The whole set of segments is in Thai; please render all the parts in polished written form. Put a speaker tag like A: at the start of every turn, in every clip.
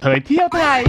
A: เผยเที่ยวไทย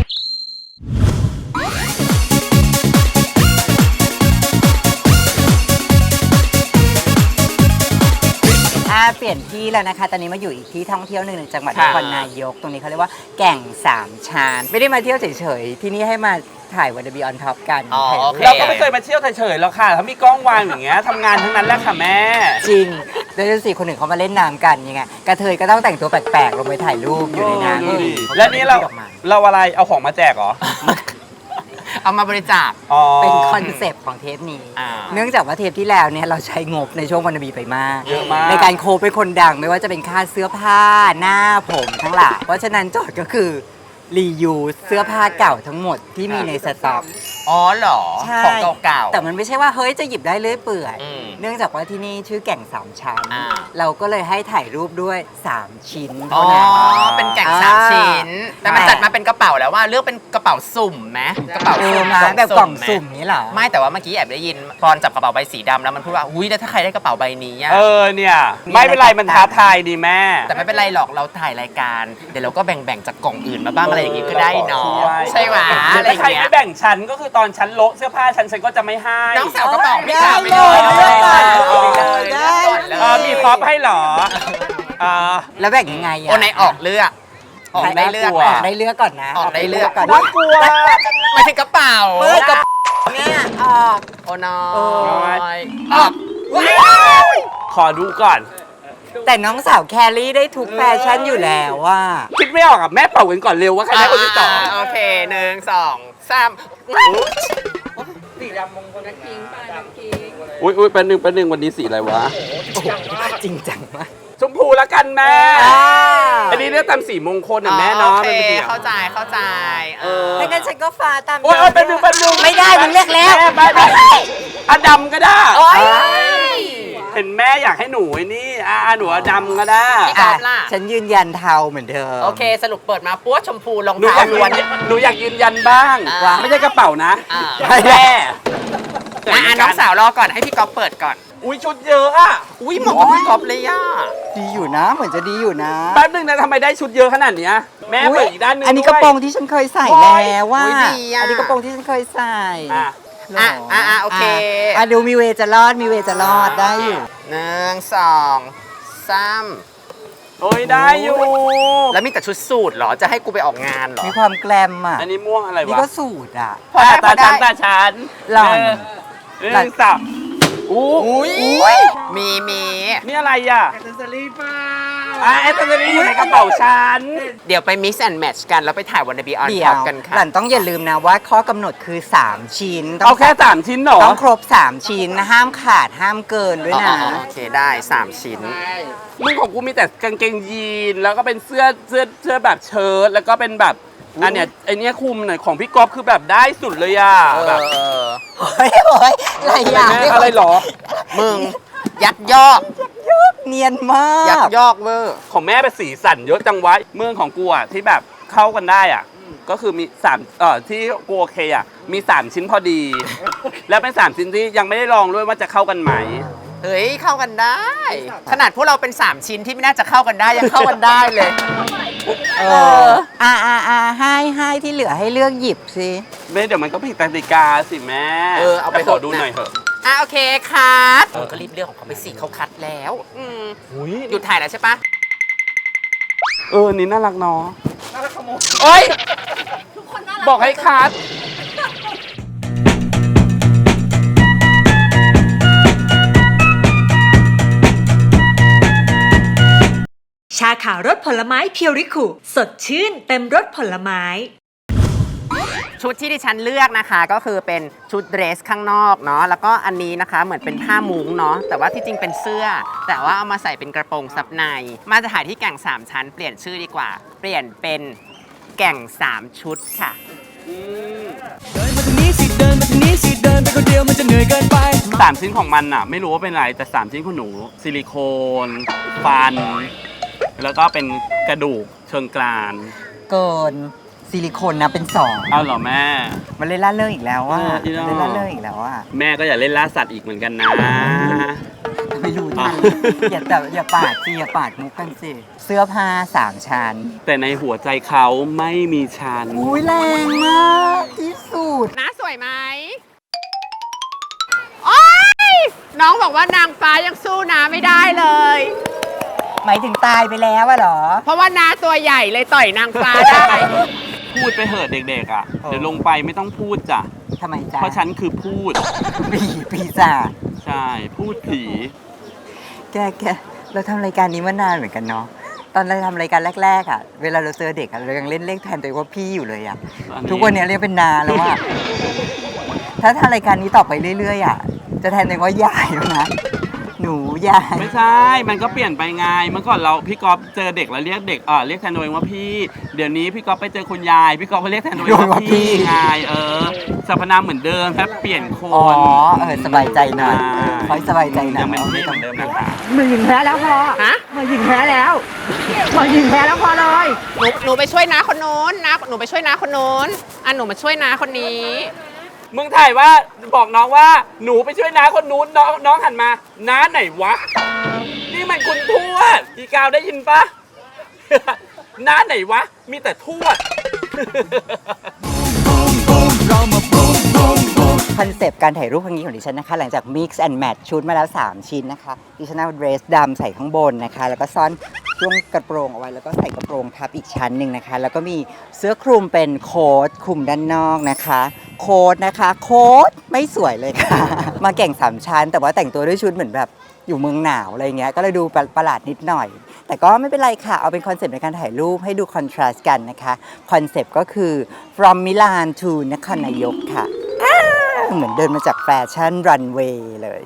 B: เปลี่ยนที่แล้วนะคะ ตอนนี้มาอยู่อีกที่ท่องเที่ยวหนึ่งจังหวัดนครนายก ตรงนี้เขาเรียกว่าแก่งสามชานไม่ได้มาเที่ยวเฉยๆ ที่นี่ให้มาถ่ายวันเดอร์บีออนท็อปกัน
C: เราก็ไม่เคยมาเที่ยวเฉยๆหรอกค่ะถ้ามีกล้องวางอย่างเงี้ยทำงานทั้งนั้นแหละค่ะแม่
B: จริงโดยสิคนหนึ่งเขามาเล่นน้ำกันยังไงกระเทยก็ต้องแต่งตัวแปลกๆลงไปถ่ายรูปอยู่ในน้ำ
C: และนี่เราอะไรเอาของมาแจกเหรอ
D: เอามาบริจาค
B: เป็นคอนเซปต์ของเทปนี้ เนื่องจากว่าเทปที่แล้วเนี่ยเราใช้งบในช่วงวันบีไปมาก
C: เยอะมาก
B: ในการโคเป็นคนดังไม่ว่าจะเป็นค่าเสื้อผ้าหน้าผมทั้งหลายเพราะฉะนั้นโจทย์ก็คือรียูเสื้อผ้าเก่าทั้งหมดที่มีในสต็อก
D: อ๋อเหรอ
B: ใช่
D: ของเก่าๆ
B: แต่มันไม่ใช่ว่าเฮ้ยจะหยิบได้เรื่อยเปื่อย
D: อืม
B: เนื่องจากว่าที่นี่ชื่อแก่งสามชั้น
D: อ่า
B: เราก็เลยให้ถ่ายรูปด้วย3ชิ้น
D: อ๋อ
B: เท่านั้น
D: เป็นแก่งสามชิ้น แต่มันจัดมาเป็นกระเป๋าแล้วว่าเลือกเป็นกระเป๋าสุ่มไหมกระเป๋า
B: เออ
D: สุ่ม
B: มาแบบกล่อง
D: ไหม
B: สุ่มนี้เหรอ
D: ไม่แต่ว่าเมื่อกี้แอบได้ยินพรจับกระเป๋าใบสีดำแล้วมันพูดว่าอุ้ยแล้วถ้าใครได้กระเป๋าใบนี้อะ
C: เนี่ยไม่เป็นไรมันท้าทายดีแม่
D: แต่ไม่เป็นไรหรอกเราถ่ายรายการเดี๋ยวเราก็แบ่งจากกล่องอื่นมาบ้างอะไรอย่างงี้ก็ได้เนาะใช่ไหมอะไรอ
C: ถ้า
D: ย่าง
C: ใคร
D: เงี้
C: ไม่
D: ย
C: แบ่งชั้นก็คือตอนชั้นโละเสื้อผ้าชั้นก็จะไม่ให้
D: น้องสาวกระเป๋าไม่
B: ได้
D: ขาดไป
B: เล
D: เลย
B: เลือกก่อน
D: ได้
B: ได้
C: มีพร็อพให้เหรอ
B: แล้วแบ่งยังไงอะ
D: โอนไหนออกเลือกออกได้เลือก
C: น่ากลัว
B: ออกได้เลือกก่อนนะ
D: ออกได้เลือก
B: ก่อน
C: น่ากลัว
D: หมายถึงกระเป๋า
B: มือกับเนี่ยออก
D: โอ้น้อ
B: เออ
D: ยออก
C: ขอดูก่อน
B: แต่น้องสาวแครี่ได้ทุกแฟชั่นอยู่แล้วว่า
C: คิดไม่ออกอ่ะแม่เป่ากันก่อนเร็วว่าใครได้คนที่สอง
D: โอเค1 2 3
C: อุ้ยแป๊บนึงวันนี้สีอะไรวะ
B: จริงจังมาก
C: ชมพูละกันแม่ อันนี้เรียกตามสีมงคลน่ะแม่เนาะ
D: โอเค
C: มันเป็นสี
D: เข้าใจ
B: ถ้างั้นฉันก็ฟ้าตาม
C: โอ้ยแป๊บนึง
B: ไม่ได้มึงเลือกแล้ว
C: ไม่อดำก็ได้
D: โอ้ย
C: เห็นแม่อยากให้หนูไอ้นี่หนูอดำก็ได้
D: พี่ก๊อฟล่ะ
B: ฉันยืนยันเทาเหมือนเดิม
D: โอเคสรุปเปิดมาปั้วชมพูรอง
C: หนูอาก
D: เท้ายล้วน
C: หนูอยากยืนยันบ้าง
D: ว่า
C: ไม่ใช่กระเป๋านะ
D: แม่
C: แม่
D: น้องสาวรอก่อนให้พี่ก๊อฟเปิดก่อน
C: อุ้ยชุดเยอะอ่ะ
D: อุ้ยเหมาะกับพี่ก๊อฟเลยอ่ะ
B: ดีอยู่นะ เหมือนจะดีอยู่นะ
C: แป๊บนึงนะทำไมได้ชุดเยอะขนาดเนี้ยแม่
B: อุ๊ย
C: เปิดอีกด้านนึง
B: อันนี้
C: ด้วย
B: กระโปรงที่ฉันเคยใส่แล้วว่า
D: อุ๊ยดีอะ
B: อันนี้กระโปรงที่ฉันเคยใส่
C: อ่ะ
B: หร
D: โอเค
B: ดูมีเวจะรอดมีเวจะรอดได้อยู่
D: 1 2 3
C: โอ้ยได้อยู่
D: แล้วมีแต่ชุดสูทเหรอจะให้กูไปออกงานเหรอ
B: มีความแกลมอ่ะ
C: อันนี้ม่วงอะไร
B: นี่
C: วะ
B: ก็สูตรอ่ะ
D: พอได้
C: ตาชั้นตาชั้น
B: หล่อน
C: หนึ่งสองอู้
D: อุ้ยมี
C: นี่อะไรอ่ะแอคเซสซอรี่ป่ะแอคเซสซอรี่อยู่ในกระเป๋าฉัน
D: เดี๋ยวไป mix and match กัน แล้วไปถ่ายวันเดบีออน
B: เดี๋
D: ท็
B: ย
D: อ
B: ว
D: ปกันค่ะ
B: หล่อนต้องอย่าลืมนะว่าข้อกำหนดคือ 3 ชิ้น
C: เอาแค่3ชิ้นเหรอ
B: ต้องครบ 3 ชิ้นนะห้ามขาดห้ามเกินด้วยนะ
D: โอเคได้ 3 ชิ้น
C: มึงของกูมีแต่กางเกงยีนแล้วก็เป็นเสื้อแบบเชิ้ตแล้วก็เป็นแบบอันเนี้ยไอเนี้ยคุมหน่อยของพี่ก๊อฟคือแบบได้สุดเลยอ่ะแบบ
B: โอ้ยอะไรอย่าง
C: แม่อะไรเหรอ
D: มึง ยักยอก
B: เนียนมา
D: ยัก
B: ก
D: ยอกเวอร์
C: ของแม่เป็นสีสันเยอะจังวะเมืองของกูอ่ะที่แบบเข้ากันได้อ่ะก็คือมี3ที่กูโอเคอ่ะมี3ชิ้นพอดี แล้วเป็น3ชิ้นที่ยังไม่ได้ลองด้วยว่าจะเข้ากันไหม
D: เฮ้ย เข้ากันได้ ขนาดพวกเราเป็น 3 ชิ้นที่ไม่น่าจะเข้ากันได้ ยังเข้ากันได้เลย
B: ให้ที่เหลือให้เลือกหยิบสิ
C: แม่เดี๋ยวมันก็ผิดกติกาสิแม่
D: เอาไป
C: แต่ขอดูหน่อยเถอะ
D: โอเคคัดก็รีบเลือกของเขาไปสิเขาคัดแล้วหยุดถ่ายแล้วใช่ปะ
C: นี่น่ารักเนาะโอ๊ยบอกให้คัด
E: ชาขาวรสผลไม้เพียวริคุสดชื่นเต็มรสผลไม้
D: ชุดที่ดิฉันเลือกนะคะก็คือเป็นชุดเดรสข้างนอกเนาะแล้วก็อันนี้นะคะเหมือนเป็นผ้ามุ้งเนาะแต่ว่าที่จริงเป็นเสื้อ แต่ว่าเอามาใส่เป็นกระโปรงซับในมาจะถ่ายที่แก่ง3ชั้นเปลี่ยนชื่อดีกว่า เปลี่ยนเป็นแก่ง3ชุดค่ะ
F: เดินมาทางนี้สิเดินมาทางนี้สิเดินไปคนเดียวมันจะเหนื่อยเกินไป
C: 3 ชิ้นของมันอ่ะ ไม่รู้ว่าเป็นอะไรแต่ 3 ชิ้นของหนูซิลิโคนฟัน แล้วก็เป็นกระดูกเชิงกราน
B: เกินซิลิโคนนะเป็น
C: เอาเหรอแม่
B: 2มันเลยล่าเรื่องอีกแล้วว่า
C: อีกแล้ว
B: เลยล่าเรื่องอีกแล้วว่า
C: แม่ก็อย่าเล่นล่าสัตว์อีกเหมือนกันนะ
B: ไม่รู้ทัน อย่าปาดสิอย่าปาดมุกกันสิเสื้อผ้า3 ชั้น
C: แต่ในหัวใจเขาไม่มีฉัน
B: อุ้ยแรงมากที่สุด
D: น้าสวยไหมโอ๊ยน้องบอกว่านางฟ้ายังสู้น้าไม่ได้เลย
B: หมายถึงตายไปแล้วอะเหรอ
D: เพราะว่าน้าตัวใหญ่เลยต่อยนางฟ้าได้
C: พูดไปเหอะเด็กๆอ่ะ เดี๋ยวลงไปไม่ต้องพูดจ้ะ
B: ทำไมจ๊ะ
C: เพราะฉันคือพูด
B: ปีศาจ
C: ใช่ พูดผี
B: แกเราทำรายการนี้มานานเหมือนกันเนาะตอนเราทำรายการแรกๆอ่ะเวลาเราเจอเด็กอ่ะเรายังเล่นเลขแทนตัวเองว่าพี่อยู่เลยอ่ะ
C: อันนี้
B: ทุกวันนี้เรียกเป็นนาแล้วอ่ะถ้าทำรายการนี้ต่อไปเรื่อยๆอ่ะจะแทนตัวเองว่ายายแล้วนะหนูยาย
C: ไม่ใช่ มันก็เปลี่ยนไปไง เมื่อก่อนพี่ก๊อฟเจอเด็กแล้วเรียกเด็กเรียกแทนตัวเองว่าพี่ เดี๋ยวนี้พี่ก๊อฟไปเจอคุณยาย พี่ก๊อฟก็เรียกแทนตัวเองว่าพี่ไงสรรพนามเหมือนเดิมแค่เปลี่ยนค
B: อ๋อน สบายใจหน่อยคอยสบายใจหน่อย
C: ยังเป็นพี่เหมือนเดิมนะคะ
A: มือหญิงแพ้แล้วพอ
D: ฮะ
A: มือหญิงแพ้แล้วมือหญิงแพ้แล้วพอเลย
D: หนูไปช่วยน้าคนนู้นนะหนูไปช่วยน้าคนนู้นหนูมาช่วยน้าคนนี้
C: มึงถ่ายว่าบอกน้องว่าหนูไปช่วยน้าคนนู้นน้องหันมาน้าไหนวะ นี่มันคุณทวดอีกาวได้ยินปะ น้าไหนวะ มีแต่ทวด
B: คอนเซปต์การถ่ายรูปครั้งนี้ของดิฉันนะคะหลังจาก mix and match ชุดมาแล้ว 3 ชิ้นนะคะดิฉันเอาเดรสดำใส่ข้างบนนะคะแล้วก็ซ่อนช่วงกระโปรงเอาไว้แล้วก็ใส่กระโปรงทับอีกชั้นหนึ่งนะคะแล้วก็มีเสื้อคลุมเป็นโค้ทคลุมด้านนอกนะคะโค้ทนะคะโค้ทไม่สวยเลยค่ะ มาแก่ง3 ชั้น แต่ว่าแต่งตัวด้วยชุดเหมือนแบบอยู่เมืองหนาวอะไรเงี้ยก็เลยดูประหลาดนิดหน่อย แต่ก็ไม่เป็นไรค่ะเอาเป็นคอนเซปต์ในการถ่ายรูปให้ดูคอนทราสต์กันนะคะคอนเซปต์ก็คือ from Milan to นครนายกค่ะเหมือนเดินมาจากแฟชั่นรันเวย์เลย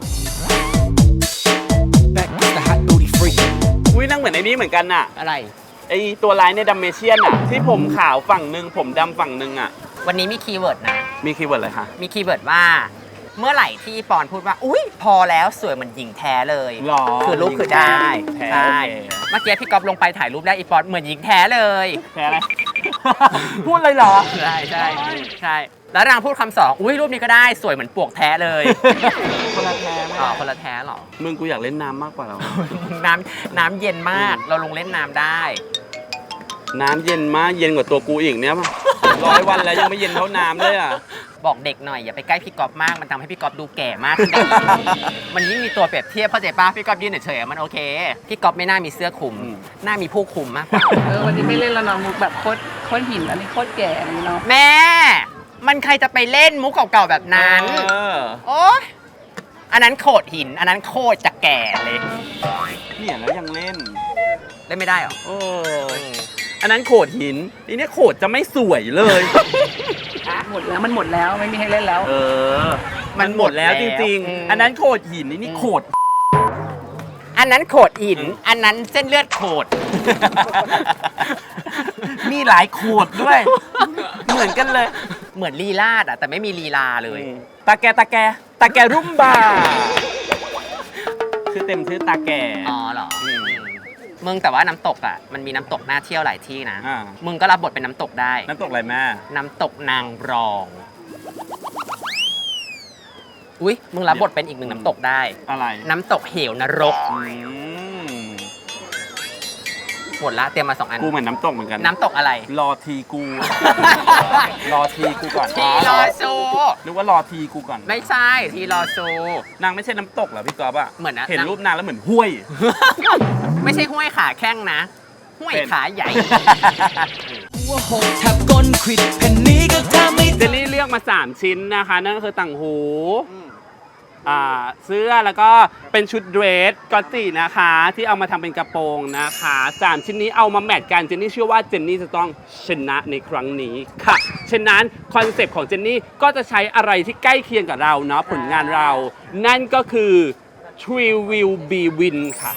F: Back with the hot booty freak
C: อุ้ยนั่งเหมือนไอ้นี่เหมือนกันน่ะ
D: อะไร
C: ไอตัวลายในดัมเมเชียนอ่ะ ที่ผมขาวฝั่งหนึ่งผมดำฝั่งหนึ่งอ่ะ
D: วันนี้มีคีย์เวิร์ดนะ
C: มีคีย์เวิร์ดอะไรคะ
D: มีคีย์เวิร์ดว่า เมื่อไหร่ที่ปอนพูดว่า อุ้ยพอแล้วสวยเหมือนหญิงแท้เลย
C: หรอ
D: คือรูปคือได้
C: แท้
D: ใช่
C: โอเค
D: เมื่อกี้พี่ก๊อฟลงไปถ่ายรูปได้อีปอนเหมือนหญิงแท้เลย
C: แพ้อะไร พูดเลยเหรอ
D: ใช่ใช่ใช่แล้วนางพูดคำสองอุ้ยรูปนี้ก็ได้สวยเหมือนปวกแท้เลย
C: คนละแพ้ไหม
D: อ๋อคนละแท้เหรอ
C: มึงกูอยากเล่นน้ำมากกว่าเรา
D: น้ำเย็นมากเราลงเล่นน้ำได้
C: น้ำเย็นมากเย็นกว่าตัวกูอีกเนี่ย100 วันแล้วยังไม่เย็นเท่าน้ำเลยอ่ะ
D: บอกเด็กหน่อยอย่าไปใกล้พี่ก๊อฟมากมันทำให้พี่ก๊อฟดูแก่มากขึ้นได้อีก มันยิ่งมีตัวเปรียบเทียบเข้าใจป่ะพี่ก๊อฟยืนเฉยๆมันโอเคพี่ก๊อฟไม่น่ามีเสื้อคลุม หน้ามีผู้คลุมมากกว่า
A: วันนี้ไม่เล่นแล้วเนาะมุกแบบโคตรหินอันนี้โคตรแก่อันนี้เนาะ
D: แม่ มันใครจะไปเล่นมุกเก่าๆแบบนั้น โอ๊ยอันนั้นโขดหิน อันนั้นโคตรจะแก่เลย
C: เนี่ยแล้วยังเล่น
D: เล่นไม่ได้เหรอ
C: อันนั้นโขดหินอันนี้โขดจะไม่สวยเลย
A: หมดแล้วมันหมดแล้วไม่มีให้เล่นแล้ว
C: มันหมดแล้วจริง
D: อืม
C: ๆ อันนั้นโขดหินนี่โขด
D: อันนั้นโขดหิน อันนั้นเส้นเลือดโขด
C: มีหลายโขดด้วย เหมือนกันเลย
D: เหมือนลีลาดอะแต่ไม่มีลีลาเลย
C: ตาแกรุ่มบาชื่อเต็มชื่อตาแก
D: อ๋อเหรอมึงแต่ว่าน้ำตกอ่ะมันมีน้ำตกน่าเที่ยวหลายที่นะ
C: อ่า
D: มึงก็รับบทเป็นน้ำตกได้
C: น้ำตกอะไรแม่
D: น้ำตกนางรอง อุ๊ย มึงรับบทเป็นอีกหนึ่งน้ำตกได้
C: อะไร
D: น้ำตกเหวนรก หมดละเตรียมมา2 อัน
C: กูเหมือนน้ำตกเหมือนกัน
D: น้ำตกอะไร
C: รอทีกู รอทีกูก่อน
D: ทีรอซู
C: นึกว่ารอทีกูก่อน
D: ไม่ใช่ทีรอซู
C: นางไม่ใช่น้ำตกเหรอพี่ก๊อฟอะ
D: เหมือนนะ
C: เห็นรูปนางแล้วเหมือนห้วย
D: ไม่ใช่ห้วยขาแข้งนะ ห้วยขาใหญ่
F: หัวหกแทบก้นควิดแผ่นนี้ก็ทำไม่
C: เจนนี่เลือกมา 3 ชิ้นนะคะ นั่นก็คือต่างหูเสื้อแล้วก็เป็นชุดเดรสกอตจินะคะ ที่เอามาทำเป็นกระโปรงนะคะ3ชิ้นนี้เอามาแมทกันเจนนี่เชื่อว่าเจนนี่จะต้องชนะในครั้งนี้ค่ะฉะนั้นคอนเซปต์ของเจนนี่ก็จะใช้อะไรที่ใกล้เคียงกับเราเนาะผลงานเรา นั่นก็คือ Tree Will Be Win ค่ะ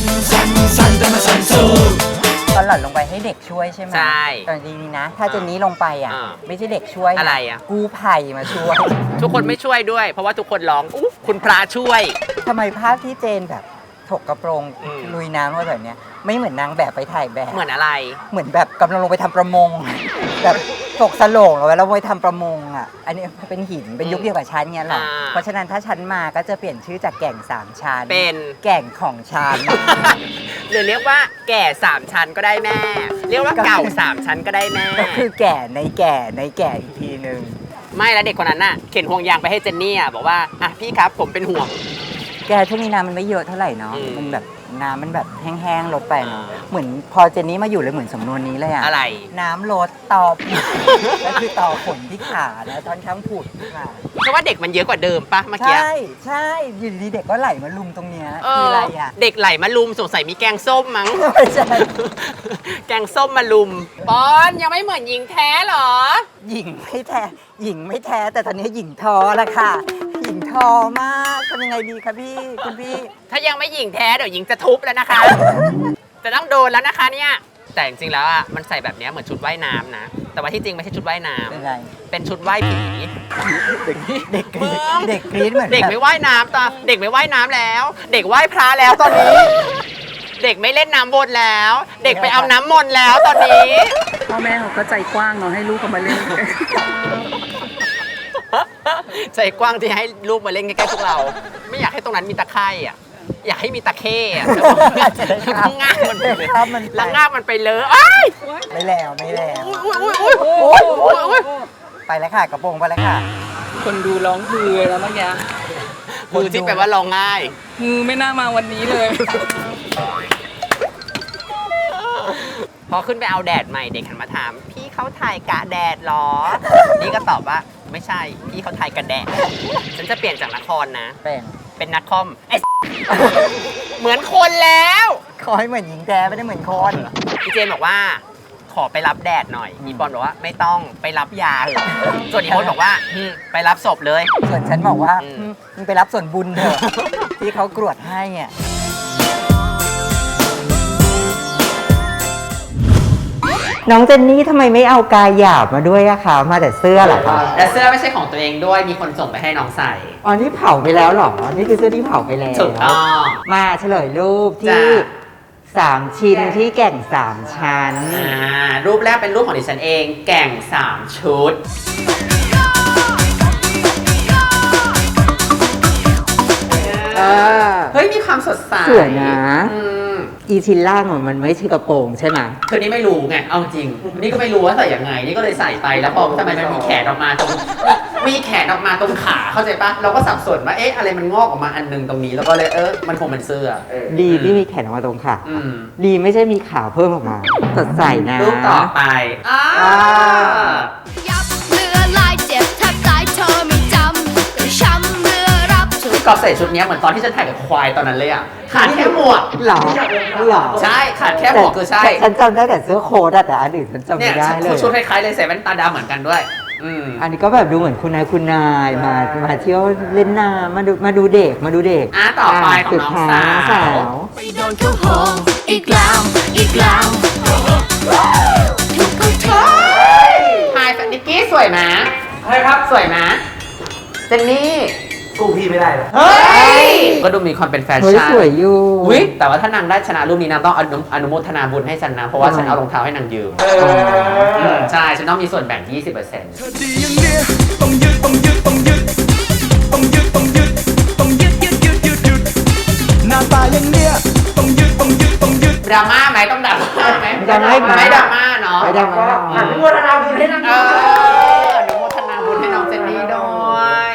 B: ตอนหล่อนลงไปให้เด็กช่วยใช่ไหม
D: ใช่
B: ตอนนี้นะ ถ้าเจนนี้ลงไปอ่ะ
D: อ่า
B: ไม่ใช่เด็กช่วยน
D: อะไรอ่ะ
B: กู้ภัยมาช่วย
D: ทุกคนไม่ช่วยด้วย เพราะว่าทุกคนร้องอุ๊ยคุณพระช่วย
B: ทำไมภาพที่เจนแบบถกกระโปรง
D: อืม
B: ลุยน้ำลงไปแบบเนี้ยไม่เหมือนนางแบบไปถ่ายแบบ
D: เหมือนอะไร
B: เหมือนแบบกำลังลงไปทำประมง แบบตกสโลงเอาไว้แล้วไว้ทำประมงอ่ะ อันนี้เป็นหินเป็นยุคเดียวกับชั้นเงี้ยหรอ เพราะฉะนั้นถ้าชั้นมาก็จะเปลี่ยนชื่อจากแก่ง3ชั้น
D: เป็น
B: แก่งของชั้น
D: หรือเรียกว่าแก่3ชั้นก็ได้แม่ เรียกว่าเก่า3ชั้นก็ได้แม่
B: ก็คือแก่ในแก่ในแก่อีกทีนึง
D: ไม่แล้วเด็กคนนั้นน่ะเข็นห่วงยางไปให้เจนนี่อ่ะบอกว่าอ่ะพี่ครับผมเป็นห่วง
B: แกช่วงนี้น้ำมันไม่เยอะเท่าไหร่เนาะ
D: อืม
B: มันแบบน้ำมันแบบแห้งๆลดไปเนาะ
D: อ่า
B: เหมือนพอเจนนี่มาอยู่เลยเหมือนสำนวนนี้เลยอะ
D: อะไร
B: น้ำลดต่อ ก็คือต่อขนที่ขาแล้วตอนช้างผุดค่ะ
D: เพราะว่าเด็กมันเยอะกว่าเดิมปะเมื่อกี้
B: ใช่ใช่อยู่ดีๆเด็กก็ไหลมาลุมตรงเนี้ยคืออะไรอะ
D: เด็กไหลมาลุมสงสัยมีแกงส้มมั้ง
B: ไม่ใช่
D: แกงส้มมาลุมปอนยังไม่เหมือนหญิงแท้เหรอ
B: หญิงไม่แท้หญิงไม่แท้แต่ตอนนี้หญิงท้อแล้วค่ะ หญิงท้อมากทำยังไงดีคะพี่คุณพี่
D: ถ้ายังไม่หญิงแท้เดี๋ยวหญิงจะทุบแล้วนะคะ จะต้องโดนแล้วนะคะเนี่ย แต่จริงๆแล้วอ่ะมันใส่แบบเนี้ยเหมือนชุดว่ายน้ำนะ แต่ว่าที่จริงไม่ใช่ชุดว่ายน้ำ
B: เป็นไร
D: เป็นชุดว่ายผี
B: เด็กกรี๊ดเด็กกรี๊ดเหมือน
D: เด็ก
B: แบบ
D: ไม่ว่ายน้ำตอนเด็กไม่ว่ายน้ำแล้ว เด็กว่ายพระแล้วตอนนี้ เด็กไม่เล่นน้ำวนแล้ว เด็กไปเอาน้ำมนต์แล้วตอนนี้
A: พ่อแม่เขาก็ใจกว้างเนาะให้ลูกเขามาเล่น
D: ใจกว้างที่ให้ลูกมาเล่นใกล้ๆพวกเรา ไม่อยากให้ตรงนั้นมีตะไคร่อ่ะ อยากให้มีตะเข้อะแล้วก็ง่างมันไปเลย
B: ครับมัน
D: แล้วง่างมันไปเลยอ้าย
B: ไม่แล้วไม่แล้ว
D: อุ้ย
B: ไปแล้วค่ะกระโปรงไปแล้วค่ะ
A: คนดูร้องฮือแล้วเมื่อกี้
D: คือที่แปลว่าลองง่าย
A: ฮือไม่น่ามาวันนี้เลย
D: พอขึ้นไปเอาแดดใหม่เด็กหันมาถาม พี่เขาถ่ายกะแดดเหรอ นี่ก็ตอบว่าไม่ใช่ พี่เขาถ่ายกะแดด ฉันจะเปลี่ยนจากนครนะ เป็นนักคอมไอ้ เหมือนคนแล้ว
B: ขอให้เหมือนหญิงแท้ไม่ได้เหมือนคน
D: พี่เจนบอกว่าขอไปรับแดดหน่อยอีปอนบอกว่าไม่ต้องไปรับยาเถอะส่วนอีโมดบอกว่าไปรับศพเลย
B: ส่วนฉันบอกว่า
D: อืม
B: มึงไปรับส่วนบุญเถอะ ที่เขากรวดให้อ่ะน้องเจนนี่ทำไมไม่เอากายหยาบมาด้วยอะคะมาแต่เสื้อเหรอคะ
D: และเสื้อไม่ใช่ของตัวเองด้วยมีคนส่งไปให้น้องใส่
B: อ๋อนี่เผาไปแล้วเหรอ นี่คือเสื้อที่เผาไปแล้ว
D: ถูกต้อง
B: มาเฉลยรูปที่
D: จ้ะ
B: 3 ชิ้นที่แก่ง 3 ชั้น
D: รูปแรกเป็นรูปของดิฉันเองแก่ง3ชุด เฮ้ยมีความสดใส
B: สวยนะ
D: อืม
B: อีชิ้นล่างมันไม่ใช่กระโปรงใช่ไหม
D: คือนี่ไม่รู้ไงเอาจริง นี่ก็ไม่รู้ว่าใส่ยังไง นี่ก็เลยใส่ไปแล้วพอทำไมมันมีแขนออกมาตรงมีแขนออกมาตรงขาเข้าใจปะเราก็สับสนว่าเอ๊ะอะไรมันงอกออกมาอันนึงตรงนี้แล้วก็เลยมันคงเป็นเสื้อ
B: ดีที่มีแขนออกมาตรงขา
D: อืม
B: ดีไม่ใช่มีขาเพิ่มออกมาสดใสนะ
D: รูปต่อไป
B: อ่า
G: ยับเรือลายเจ็บแทบตายเธอไม่จำแต่ช้ำเรือรับชุด
D: พี่กอล์ฟใส่ชุดเนี้ยเหมือนตอนที่ฉันถ่ายกับควายตอนนั้นเลยอ่ะขาดแค่หมวก
B: หรอหรอ
D: ใช่ขาดแค่หมวกคือใช่
B: แต่ฉันจำได้แต่เสื้อโค้ทอะแต่อันอื่นฉันจำ
D: เนี่
B: ไม่
D: ย
B: ได้เลย
D: ชุดคล้ายๆเลยใส่แว่นตาดำเหมือนกันด้วย
B: อันนี้ก็แบบดูเหมือนคุณนายคุณนายมาเที่ยวเล่นน้ำมาดูเด็กมาดูเด็ก
D: ต่อไปของน้องสาว
G: ไปโดนเขาโหงอีกแล้วอีกแล้วถูกเขาโทษ
D: ไฮแฟนนิกกี้สวยไหมใช่ครับสวยไหมเจนนี่กูพี่ไม่ได้เลยเฮ้ยก็ดูมีความเป็นแฟ
B: เฮ้ย
D: ชั่น
B: สวยอยู่
D: อุ๊ยแต่ว่าถ้านางได้ชนะรูปนี้นางต้องอนุโมทนาบุญให้ฉันนะเพราะว่าฉันเอารองเท้าให้นางยืมใช่ฉันต้องมีส่วนแบ่ง 20%
F: เธอดีอย่างเนี้ยต้องยึดต้องยึดต้องยึดต้องยึดต้องยึดต้องยึดยึดยึดยึดยึดหน้าตาอย่างเนี้ยต้องยึดต้องยึดต้องยึด
D: ดราม่าไหมต้องดราม่าไหม
B: ดราม่าไหม
D: ไม่ดราม่าเนาะ
B: ไม่ได้มา
D: อนุโมทนาบุญให้นางอนุโมทนาบุญให้น้องเจนนี่ด้วย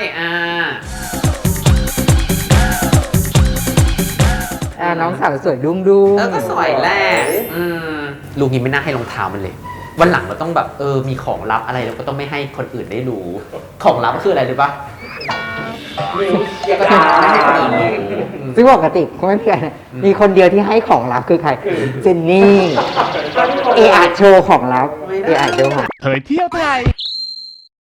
B: น้องสาวสวยดุ้งดุ้ง
D: ก็สวยแหละลุงนี้ไม่น่าให้รองเท้ามันเลย วันหลังเราต้องแบบมีของลับอะไรเราก็ต้องไม่ให้คนอื่นได้รู้ ของลับก็คืออะไรรู้ปะไม่ให้คนอื่นรู้
B: ซึ่งปกติก็ไม่เพียงมีคนเดียวที่ให้ของลับคือใครเจนนี่เออาโชว์ของลับเออาโชว์ของ
H: เผยเที่ยวไทย